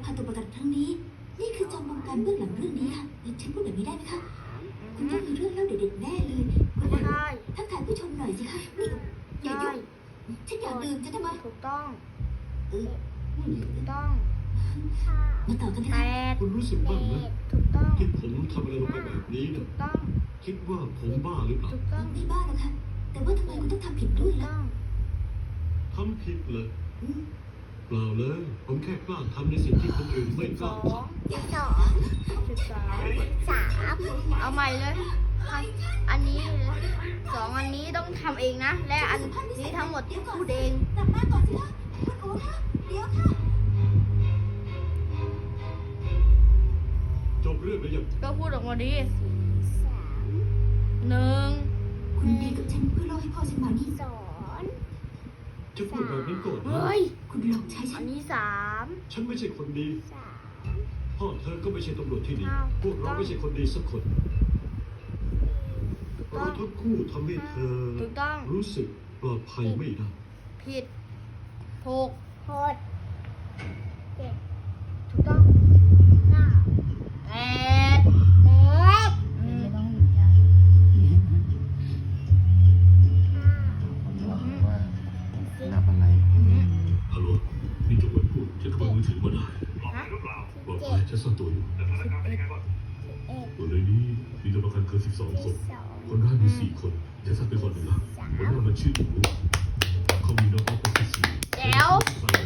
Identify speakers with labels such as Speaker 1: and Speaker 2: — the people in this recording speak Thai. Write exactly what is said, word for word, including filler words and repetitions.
Speaker 1: พาตัวประกันครั้งนี้นี่คือจอมบงการเบื้องหลังเรื่องนี้ค่ะฉันพูดแบบนี้ได้ไหมคะคุณต้องมีเรื่องเล่าเด็ดๆแน่เลยคุณทักทายผู้ชมหน่อยสิคะนี่อย่ายุ่งฉันอยากดื่มจะทำไม
Speaker 2: ถูกต้อง
Speaker 1: เออ
Speaker 2: ถูกต้อง
Speaker 1: มาต่อกันเถ
Speaker 2: แป
Speaker 1: อะค่ะ
Speaker 2: ด
Speaker 3: คุณรู้สึกบ้างไหม
Speaker 2: ถูกต้อง
Speaker 3: ที่ผมทำอะไรลงไปแบบนี้เนี่
Speaker 2: ถู
Speaker 3: ย
Speaker 2: กต้อง
Speaker 3: คิดว่าผมบ้าหรือเปล่า
Speaker 2: ถูกต้อง
Speaker 1: ไม่บ้าหรอกค่ะแต่ว่าทำไมคุณต้องทำผิดด้วย
Speaker 2: ถูก
Speaker 1: ล่ะ
Speaker 2: ต้อง
Speaker 3: ทำผิดเลย
Speaker 1: อืม
Speaker 3: เปล่าเลย ผมแค่กล้าทำในสิ่งที่คนอื่นไม่
Speaker 2: สิบ
Speaker 3: ก
Speaker 2: ส
Speaker 3: ล้า
Speaker 2: อง
Speaker 3: ท
Speaker 2: สองสิบสองสามเอาใหม่เลยอันนี้สองอันนี้ต้องทำเองนะ และอันนี้ทั้งหมดพูดเอง
Speaker 1: กลับมาก่อนสิคะคุณโอ๋คะเดี๋ยวค่ะ
Speaker 3: ำจบเรื่องแล้วยัง
Speaker 2: ก็พูดออกมาดิหนึ่ง
Speaker 1: คุณดีกับฉันเพื่อล่อให้พ่อฉันมานี่
Speaker 2: สอง
Speaker 3: จะพูดแบบนั้นก่อนนะ
Speaker 2: เฮ้ย
Speaker 1: คุณหลอกใช้ฉั
Speaker 2: อั
Speaker 1: น
Speaker 2: นนี้สาม
Speaker 3: ฉันไม่ใช่คนดี
Speaker 2: สาม
Speaker 3: พ่อเธอก็ไม่ใช่ตำรวจที่ดี
Speaker 2: อ้าว
Speaker 3: พวกเราไม่ใช่คนดีสักคน
Speaker 2: ถูกต้
Speaker 3: เรา
Speaker 2: อง
Speaker 3: ทั้งคู่ทำให้เธอ
Speaker 2: ถูกต้อง
Speaker 3: รู้สึกปลอดภัยไม่ได้
Speaker 2: ผิดถูกหกเจ็ดถูกต้องเก้าแปดแปดอืม
Speaker 4: ไม่ต้องหนีอ่ะ
Speaker 5: ว่านับอะไร
Speaker 2: อืม
Speaker 3: ฮัลโหลนี่จงไว้พูดฉันขโมยมือถือมาได้
Speaker 2: ฮะ
Speaker 3: บอกไปฉันซ่อนตัวอยู่
Speaker 2: เอ็ด
Speaker 3: ตัวในนี้มีตัวประกันเกินสิบสองคน
Speaker 2: สอง
Speaker 3: คนร้ายมีสี่คนฉันทราบเป็นคนหนึ่งละคนนั้นมันชื่อหนูเขามีน้องออฟฟิศสี่
Speaker 2: แจ๋ว
Speaker 3: สั่ง